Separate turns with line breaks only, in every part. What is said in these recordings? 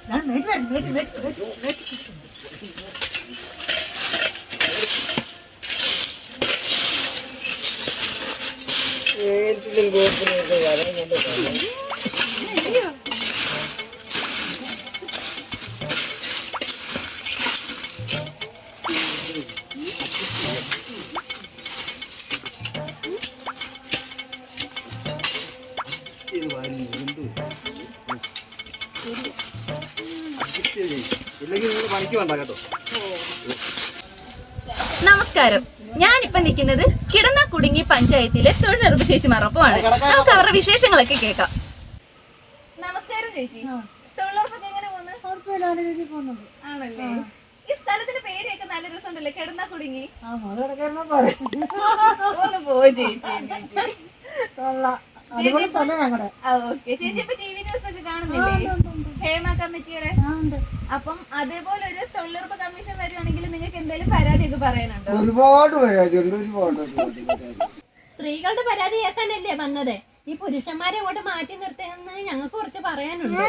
നമസ്കാരം. ഞാനിപ്പോ നിൽക്കുന്നത് കിടന്നക്കുടുങ്ങി പഞ്ചായത്തിലെ തൊഴിലുറപ്പ് ചേച്ചിമാരൊപ്പമാണ്. നമുക്ക് അവരുടെ വിശേഷങ്ങളൊക്കെ കേൾക്കാം. നമസ്കാരം ചേച്ചി. തൊഴിലുറപ്പൊക്കെ എങ്ങനെ പോകുന്നു? ആണല്ലേ? ഈ സ്ഥലത്തിന്റെ പേരൊക്കെ നല്ല രസമുണ്ടല്ലേ, കിടന്നക്കുടുങ്ങി. ഒന്ന് പോ ചേച്ചി. ചേച്ചി ഇപ്പൊ ടി വി ന്യൂസ് ഒക്കെ കാണുന്നില്ലേ, ഹേമ കമ്മിറ്റിയുടെ? അപ്പം അതേപോലെ ഒരു തൊഴിലുറപ്പ് കമ്മീഷൻ വരുവാണെങ്കിൽ നിങ്ങൾക്ക് എന്തെങ്കിലും പരാതിയൊക്കെ പറയാനുണ്ടോ?
ഒരുപാട് ഒരുപാട്
സ്ത്രീകളുടെ പരാതി കേൾക്കാനല്ലേ വന്നത്. ഈ പുരുഷന്മാരെ അങ്ങോട്ട് മാറ്റി നിർത്തുന്നത് ഞങ്ങൾക്ക് കുറച്ച് പറയാനുണ്ട്.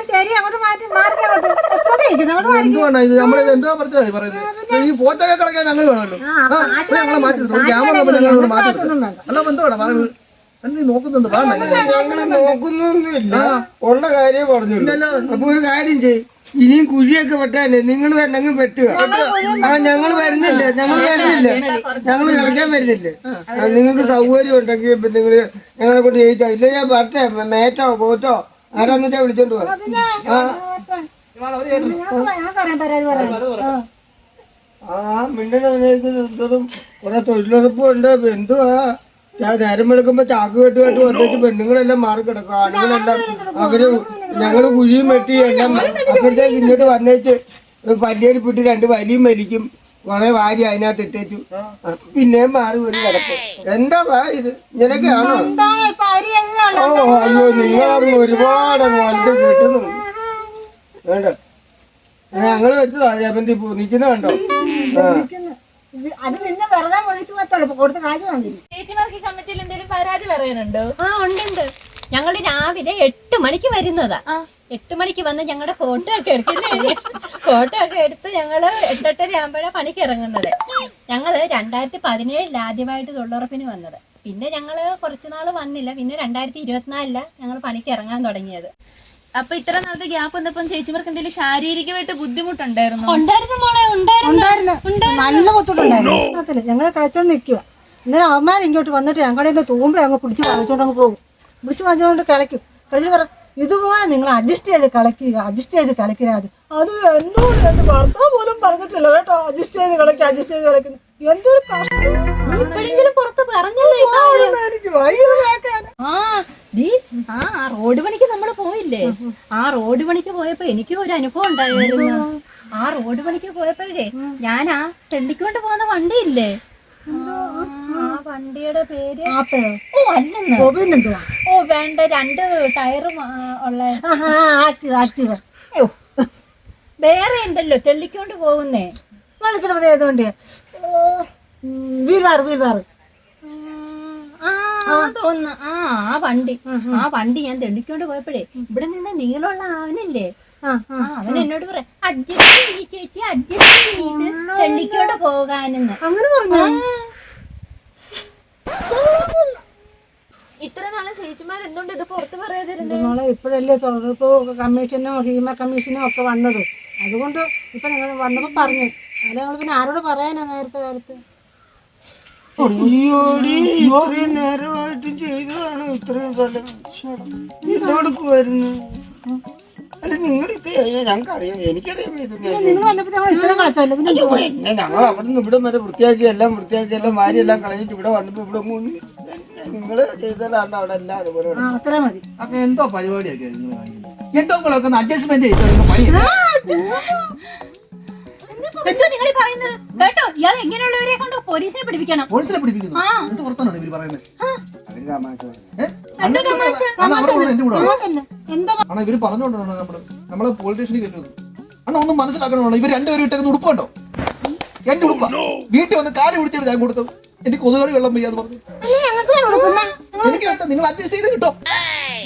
നോക്കുന്നുണ്ട്, ഞങ്ങള് നോക്കുന്നൊന്നുമില്ല, ഉള്ള കാര്യം പറഞ്ഞു. അപ്പൊ ഒരു കാര്യം ചെയ്യും, ഇനിയും കുഴിയൊക്കെ വെട്ടാനേ നിങ്ങൾ തന്നെ വെട്ടുക. ഞങ്ങൾ വരുന്നില്ല, ഞങ്ങൾ കളിക്കാൻ വരുന്നില്ലേ. നിങ്ങൾക്ക് സൗകര്യം ഉണ്ടെങ്കിൽ ഇപ്പൊ നിങ്ങള് ഞങ്ങളെ കൊണ്ട് ജയിച്ചാ. ഇല്ല ഞാൻ വരട്ടെ, മേറ്റോ പോത്തോ ആരാന്ന് വെച്ചാ വിളിച്ചോണ്ട് പോവാ. മിണ്ടനും കുറെ തൊഴിലുറപ്പും ഉണ്ട്. എന്തുവാ നേരം വെളുക്കുമ്പോ ചാക്ക് കെട്ടുമായിട്ട് വന്നിട്ട് പെണ്ണുങ്ങളെല്ലാം മാറി കിടക്കും. ആണുങ്ങളെല്ലാം അവര് ഞങ്ങള് കുഴിയും വെട്ടി എല്ലാം അപ്പോഴത്തേക്ക് ഇങ്ങോട്ട് വന്നേച്ച് പല്ലിയേരിപ്പിട്ട് 2 വലിയും വലിക്കും, കുറെ വാരി അതിനകത്ത് ഇട്ടേച്ചു, പിന്നെയും മാറി ഒരു കിടപ്പ്. എന്താ ഇത് ഇങ്ങനെയൊക്കെയാണോ? ഓ അയ്യോ, നിങ്ങളങ്ങ് ഒരുപാട് വലുത് കിട്ടുന്നുണ്ട്. വേണ്ട, ഞങ്ങള് വെച്ചതാ ജപന്തി പൂ നിക്കുന്ന കണ്ടോ?
ചേച്ചിമാർക്ക് കമ്മിറ്റിയിൽ എന്തെങ്കിലും പരാതി പറയാനുണ്ടോ?
ഉണ്ട്. ഞങ്ങള് രാവിലെ 8 മണിക്ക് വരുന്നതാ. 8 മണിക്ക് വന്ന് ഞങ്ങളുടെ ഫോട്ടോ ഒക്കെ എടുക്കുന്നേ. ഫോട്ടോ ഒക്കെ എടുത്ത് ഞങ്ങള് 8:30 ആകുമ്പോഴാണ് പണിക്ക് ഇറങ്ങുന്നത്. ഞങ്ങള് 2017 ആദ്യമായിട്ട് തൊഴിലുറപ്പിന് വന്നത്. പിന്നെ ഞങ്ങള് കുറച്ചുനാള് വന്നില്ല. പിന്നെ 2024 ഞങ്ങൾ പണിക്ക് ഇറങ്ങാൻ തുടങ്ങിയത്.
അപ്പൊ ഇത്ര നാളത്തെ ഗ്യാപ്പ് വന്നപ്പം ചേച്ചിമാർക്ക് എന്തെങ്കിലും ശാരീരികമായിട്ട് ബുദ്ധിമുട്ടുണ്ടായിരുന്നു?
നല്ല ബുദ്ധിമുട്ടുണ്ടായിരുന്നു. ഞങ്ങള് കളിച്ചോണ്ട് നിൽക്കുക. ഇന്നലെ അവന്മാർ ഇങ്ങോട്ട് വന്നിട്ട് ഞങ്ങളുടെ തൂമ്പ അങ്ങ് പിടിച്ച് കളിച്ചോണ്ട് അങ്ങ് പോകും. പിടിച്ച് വാങ്ങിച്ചോണ്ട് കളിക്കും. കളിച്ചിട്ട് പറ ഇതുപോലെ നിങ്ങൾ അഡ്ജസ്റ്റ് ചെയ്ത് കളിക്കുക. അത് എന്നോട് എന്റെ ഭർത്താവ് പോലും പറഞ്ഞിട്ടില്ല കേട്ടോ, അഡ്ജസ്റ്റ് ചെയ്ത് കളിക്കുന്നു. എന്തൊരു കഷ്ടം.
പുറത്ത് പറഞ്ഞല്ലോ
എനിക്ക് വൈകുന്നേരം.
റോഡ് പണിക്ക് നമ്മള് പോയില്ലേ? ആ റോഡ് പണിക്ക് പോയപ്പോ എനിക്ക് ഒരു അനുഭവം ഉണ്ടായിരുന്നു. ആ റോഡ് പണിക്ക് പോയപ്പോഴേ ഞാൻ ആ തെള്ളിക്കൊണ്ട് പോകുന്ന വണ്ടിയില്ലേ, ആ വണ്ടിയുടെ പേര് വേണ്ട 2 ടയറും ഉള്ള വേറെ ഉണ്ടല്ലോ തെള്ളിക്കൊണ്ട് പോകുന്നേ.
ഏതുകൊണ്ട്
തോന്നുന്നു. ആ വണ്ടി ഞാൻ തെള്ളിക്കൊണ്ട് പോയപ്പോഴേ ഇവിടെ നിന്ന് നീളമുള്ള അവനില്ലേ, അവൻ എന്നോട് പറയാം അഡ്ജസ്റ്റ് ചെയ്യ് ചേച്ചി, അഡ്ജസ്റ്റ് ചെയ്ത് തെള്ളിക്കോട് പോകാനെന്ന്.
അങ്ങനെ പറഞ്ഞു.
ഇത്ര നാളെ ചേച്ചിമാർ എന്തുകൊണ്ട് ഇത് പുറത്ത് പറയാതിരുന്നത്?
ഇപ്പോഴല്ലേ തൊഴിലുറപ്പ് കമ്മീഷനും ഹീമ കമ്മീഷനും ഒക്കെ വന്നത്. അതുകൊണ്ട് ഇപ്പൊ നിങ്ങൾ വന്നപ്പോ പറഞ്ഞു. അല്ല ഞങ്ങൾ പിന്നെ ആരോട് പറയാനാ നേരത്തെ കാലത്ത്?
ഇത്രയും നേരമായിട്ടും ചെയ്തതാണ് ഇത്രയും സ്ഥലം ഇതോടുക്കുമായിരുന്നു. അല്ല നിങ്ങളിപ്പോ ഞങ്ങൾക്കറിയാം, എനിക്കറിയാം. ഞങ്ങൾ അവിടെ നിന്ന് ഇവിടെ വരെ വൃത്തിയാക്കി എല്ലാം മാരി എല്ലാം കളഞ്ഞിട്ട് ഇവിടെ വന്നപ്പോ ഇവിടെ നിങ്ങള് ചെയ്തതാണ് അവിടെ എല്ലാം അതുപോലെ.
അപ്പൊ എന്തോ പരിപാടിയൊക്കെ എന്തോ അഡ്ജസ്റ്റ്മെന്റ് ചെയ്തോ പണി.
നിങ്ങൾ പറയുന്നത് കേട്ടോ? ഇയാൾ എങ്ങനെയുള്ളവരെ കൊണ്ട് പോലീസിനെ പിടിപ്പിക്കണം.
പോലീസിനെ പിടിപ്പിക്കുന്നു? എന്ത് പുറത്താണോ ഇവര് പറയുന്നത്? ഇവര് പറഞ്ഞോണ്ടാണ് നമ്മള് പോലീസ് സ്റ്റേഷനിൽ കയറ്റുന്നത്. അണ്ണ ഒന്നും മനസ്സിലാക്കണോ? ഇവർ 2 പേരും ഇട്ടേക്കുന്ന ഉടുപ്പുണ്ടോ? എന്റെ ഉടുപ്പ വീട്ടിൽ വന്ന് കാല് പിടിച്ചിട്ട് ഞാൻ കൊടുത്തത്. എനിക്ക് കൊതുകളി വെള്ളം പെയ്യാന്ന് പറഞ്ഞു. എനിക്ക് വേണ്ട, നിങ്ങൾ അഡ്ജസ്റ്റ് ചെയ്ത് കിട്ടോ.